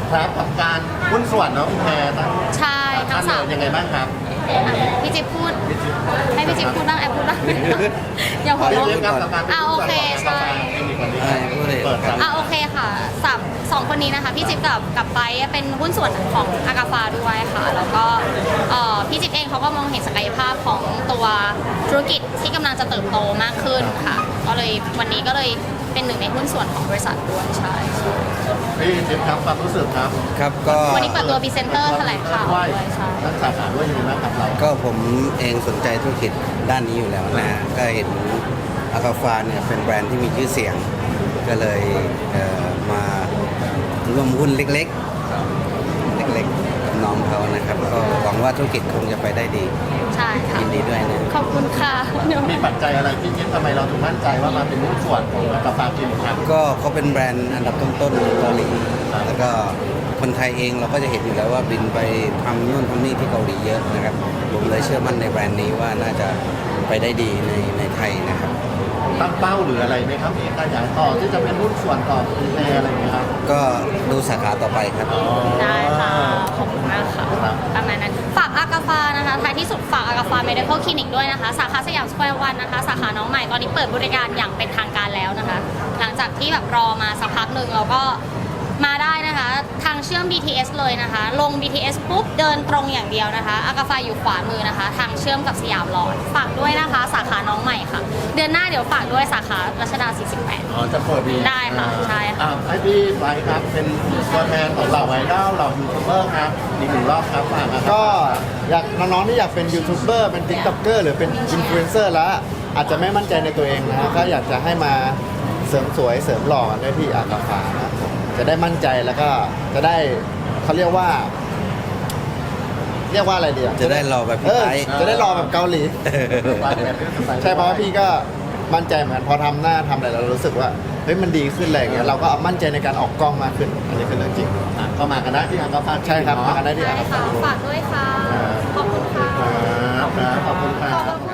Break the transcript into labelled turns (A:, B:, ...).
A: ครับกับการหุ้นส่วนเนาะคุณแพรทั้ง
B: ใช่ทั้งสาม
A: ยังไงบ้างครับ
B: พี่จิ๊บพูดให้พี่จิ๊บพูดบ้างแอบพูดบ้างอย่าหัวเราะ
A: เรื่องกับการ
B: โอเคใช่
A: เปิดครับ
B: โอเคค่ะสองคนนี้นะคะพี่จิ๊บกับไปเป็นหุ้นส่วนของอากาฟาด้วยค่ะแล้วก็พี่จิ๊บเองเขาก็มองเห็นศักยภาพของตัวธุรกิจที่กำลังจะเติบโตมากขึ้นค่ะก็เลยวันนี้ก็เลยเป็นหนึ่งในหุ้นส่วนของบริษัทด้วยใช่
A: พี่จิ๊บครับความรู้สึกครับ
C: ครับก็
B: วันนี้เปิดตัวพรีเซนเตอร์แถลงข่าวด้วยใช่
A: นักสาขาด้วยยังไงบ้างครับเรา
C: ก็ผมเองสนใจธุรกิจด้านนี้อยู่แล้วนะฮะก็เห็นอากาฟาเนี่ยเป็นแบรนด์ที่มีชื่อเสียง ก็เลยมาร่วมหุ้นเล็กๆกับน้องเขานะครับก็หวังว่าธุรกิจคงจะไปได้ดี
B: ใช่ค่ะ
C: ยินดีด้วยนะ
B: ขอบคุณค่ะเดี๋ยว
A: มีปัจจัยอะไรพี่จิ๊บทำไมเราถึงมั่นใจว่ามาเป็นหุ้นส่วนของกาแฟกินครับ
C: ก็เขาเป็นแบรนด์อันดับต้นๆของเกาหลี แล้วก็คนไทยเองเราก็จะเห็นอยู่แล้วว่าบินไปทำนู่นทำนี่ที่เกาหลีเยอะนะครับผมเลยเชื่อมั่นในแบรนด์นี้ว่าน่าจะไปได้ดีในไทยนะครับ
A: ตั้งเป้าหรืออะไรไหมครับมีการขยายต่อที่จะเป็นหุ้นส่วนต่อคุณแพรอะไรอย่างเงี้ยครับ
C: ก็ดูสาขาต่อไปครับ
B: ได้ค่ะ ขอบคุณมากค่ะ ประมาณนั้น ฝากอากาฟานะคะท้ายที่สุดฝากอากาฟาเมดิคอลคลินิกด้วยนะคะ สาขาสยามสแควร์วันนะคะ สาขาน้องใหม่ ตอนนี้เปิดบริการอย่างเป็นทางการแล้วนะคะ หลังจากที่แบบรอมาสักพักหนึ่งเราก็มาได้นะคะ ทางเชื่อม BTS เลยนะคะ ลง BTS ปุ๊บเดินตรงอย่างเดียวนะคะอากาฟาอยู่ขวามือนะคะ ทางเชื่อมกับสยามหลอด ฝากด้วยนะคะ สาขาน้องใหม่ค่ะ เดือนหน้าเดี๋ยวฝากด้วยสาขารัชดา 48
A: อ๋อจะเปิดดี
B: ได้ค่ะใช่ค่ะ
A: ให้พี่ไปครับเป็นตัวแทนของเหล่าไอดอลเหล่ายูทูบเบอร์ครับอีกหนึ่งรอบครับฝากนะครับ
D: ก็อยากน้องๆที่อยากเป็นยูทูบเบอร์เป็นติ๊กต็อกเกอร์หรือเป็นอินฟลูเอนเซอร์แล้วอาจจะไม่มั่นใจในตัวเองนะก็อยากจะให้มาเสริมสวยเสริมหล่อได้ที่อากาฟานะครับผมจะได้มั่นใจแล้วก็จะได้เขาเรียกว่าอะไรดีอ่ะ
C: จะได้หล่อแบบพี่ไทย
D: จะได้รอแบบเกาหลี ใช่เพราะว่าพี่ก็มั่นใจเหมือนกันพอทำหน้าทำอะไรแล้วเรารู้สึกว่าเฮ้ยมันดีขึ้นอะไรอย่างเงี้ยเราก็มั่นใจในการออกกล้องมากขึ้นอันนี้คือเรื่องจริง
A: เข้ามากันได้ที่อากาฟา
D: ใช่ครับมากันได้ที่
B: ได้
D: อากา
B: ค่ะ
D: ฟา
B: ฝากด้วยค่ะ ขอบคุณค่ะ
A: ครับขอบคุณครับ
B: ขอบคุณ